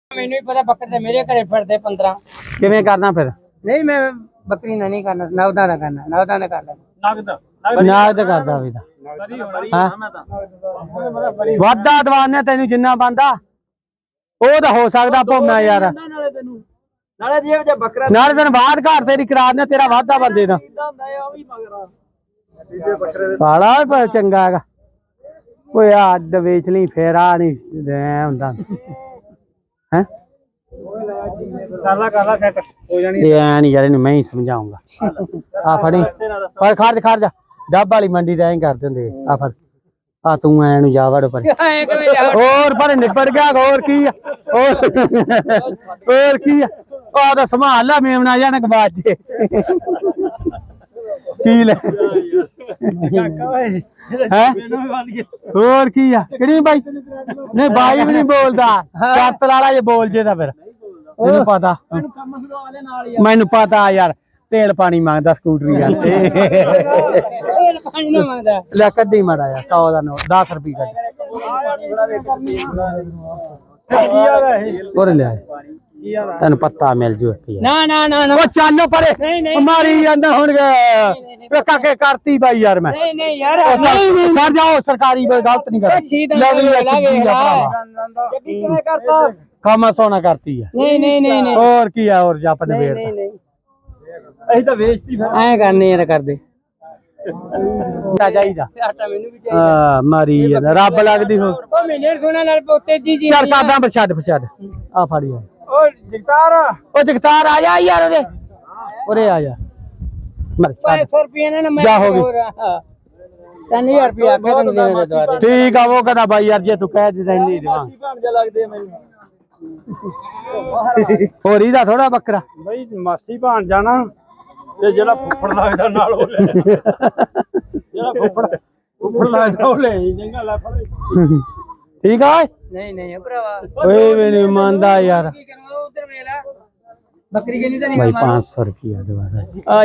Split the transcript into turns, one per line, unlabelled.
ਮੈਨੂੰ ਵੀ ਪਤਾ ਬੱਕਰੇ ਤੇ ਮੇਰੇ ਘਰੇ ਫਿਰਦੇ 15
ਕਿਵੇਂ ਕਰਨਾ ਫਿਰ?
ਨਹੀਂ ਮੈਂ ਬੱਕਰੀ ਨਾ ਨਹੀਂ ਕਰਨਾ ਨੌਦਾਂ ਦਾ ਕਰਨਾ ਨੌਦਾਂ ਦਾ ਕਰ ਲੈ
ਨਾਗ ਤੇ ਕਰਦਾ ਵੀ ਤਾਂ ਵਾਧਾ ਦਵਾਨੇ ਤੈਨੂੰ ਜਿੰਨਾ ਬੰਦਾ ਉਹ ਤਾਂ ਹੋ ਸਕਦਾ ਭੋਮਾ ਯਾਰ
ਨਾਲੇ ਜੇ ਜੇ ਬੱਕਰਾ
ਨਾਲੇ ਤੈਨੂੰ ਬਾਅਦ ਘਰ ਤੇਰੀ ਕਰਾ ਦਿੰਦੇ ਤੇਰਾ ਵਾਧਾ ਬੰਦੇ ਦਾ ਪਾਲਾ ਪਰ ਚੰਗਾ ਹੈਗਾ ਓਏ ਅੱਡ ਵੇਚ ਲਈ ਫੇਰ ਆ ਨਹੀਂ ਹੁੰਦਾ ਹੈ
ਕਾਲਾ ਸੈੱਟ ਹੋ ਜਾਣੀ
ਐ ਨਹੀਂ ਯਾਰ ਇਹਨੂੰ ਮੈਂ ਹੀ ਸਮਝਾਉਂਗਾ ਆ ਫੜੀ ਪਰ ਖਰਚ ਡੱਬ ਵਾਲੀ ਮੰਡੀ ਦਾ ਐਂ ਕਰ ਦਿੰਦੇ ਆ ਫੜ ਆ ਤੂੰ ਐ ਨੂੰ ਜਾ ਵੜ ਪਰ ਹੋਰ ਪਰ ਨਿਬੜ ਗਿਆ ਹੋਰ ਕੀ ਆ ਹੋਰ ਕੀ ਆ ਆ ਤਾਂ ਸੰਭਾਲ ਲੈ ਮੇਮਣਾ ਜਾਣ ਬਾਅਦ ਚ ਕੀ ਲੈ ਹੈ ਹੋਰ ਕੀ ਆ ਕਿਹੜੀ ਬਾਈ ਨਹੀਂ ਬਾਈ ਵੀ ਨਹੀਂ ਬੋਲਦਾ ਚੱਤਲ ਵਾਲਾ ਜੇ ਬੋਲ ਜੇ ਤਾਂ ਫਿਰ ਮੈਨੂੰ ਪਤਾ ਮੈਨੂੰ ਪਤਾ ਯਾਰ ਤੇਲ ਪਾਣੀ ਮੰਗਦਾ ਸਕੂਟਰੀ ਯਾਰ
ਤੇਲ ਪਾਣੀ ਨਾ ਮੰਗਦਾ
ਲੈ ਕੱਢੀ ਮਾੜਾ ਯਾਰ 100 ਦਾ ਨੋਟ 10 ਰੁਪਏ ਕੱਢ ਹੋਰ ਲਿਆ ਤੈਨੂੰ ਪੱਤਾ ਮਿਲ ਜੂ
ਨਾ ਨਾ ਨਾ
ਉਹ ਚੱਲ ਪਰੇ ਮਾਰੀ ਜਾਂਦਾ ਹੁਣ ਕਾਕੇ ਕਰਤੀ ਬਾਈ ਯਾਰ ਮੈਂ
ਨਹੀਂ ਨਹੀਂ ਯਾਰ
ਕਰ ਜਾਓ ਸਰਕਾਰੀ ਗਲਤ ਨਹੀਂ ਕਰ
ਕਿਵੇਂ ਕਰਤਾ
ਕੰਮ ਸੋਨਾ ਕਰਤੀ ਆ
ਨਹੀਂ ਨਹੀਂ ਨਹੀਂ
ਹੋਰ ਕੀ ਆ ਹੋਰ ਜੱਪ ਨੇ ਵੇੜ
ਅਸੀਂ ਤਾਂ ਵੇਚਤੀ ਫਿਰ ਐ ਕਰਨੇ ਯਾਰ ਕਰਦੇ
ਚਾਹੀਦਾ
ਆਟਾ ਮੈਨੂੰ ਵੀ
ਹਾਂ ਮਾਰੀ ਜਾਂਦਾ ਰੱਬ ਲੱਗਦੀ ਹੋ
ਉਹ ਮੇਰੇ ਸੋਨਾ ਨਾਲ ਪੋਤੇ ਜੀ
ਚੱਲ ਕਰਦਾ ਛੱਡ ਆ ਫੜੀ ਆ
ਓ
ਜਗਤਾਰ ਆ ਜਾ ਯਾਰ ਉਰੇ ਆ ਜਾ
500 ਰੁਪਏ ਨੇ ਮੈਂ
ਜਾ ਹੋ ਗਈ
3000 ਰੁਪਏ ਆਖਿਆ ਤੈਨੂੰ ਦੇਣੇ ਦੇ ਦੁਆਰੇ
ਠੀਕ ਆ ਉਹ ਕਹਿੰਦਾ ਬਾਈ ਯਾਰ ਜੇ ਤੂੰ ਕਹਿ ਦਿੰਦਾ ਨਹੀਂ ਦੇਵਾਂ
ਭਾਂਜਾ ਲੱਗਦੇ ਮੈਨੂੰ
ਹੋਰ ਇਹਦਾ ਥੋੜਾ ਬੱਕਰਾ
ਬਈ ਮਾਸੀ ਭਾਣ ਜਾਣਾ ਤੇ ਜਿਹੜਾ ਫੁੱਫੜ ਲੱਗਦਾ ਨਾਲ ਉਹ ਲੈ ਜਿਹੜਾ ਫੁੱਫੜ ਲੱਗਦਾ ਉਹ ਲੈ ਚੰਗਾ ਲੈ ਫੜ
ਠੀਕ ਆ
ਨਹੀਂ ਨਹੀਂ ਭਰਾਵਾ
ਓਏ ਵੀ ਨਹੀਂ ਮੰਨਦਾ ਯਾਰ
ਕੀ ਕਰਨਾ ਉਧਰ ਮੇਲਾ ਬੱਕਰੀ ਕੇ ਨਹੀਂ ਤਾਂ ਨਹੀਂ
ਭਾਈ 500 ਰੁਪਿਆ ਦਵਾ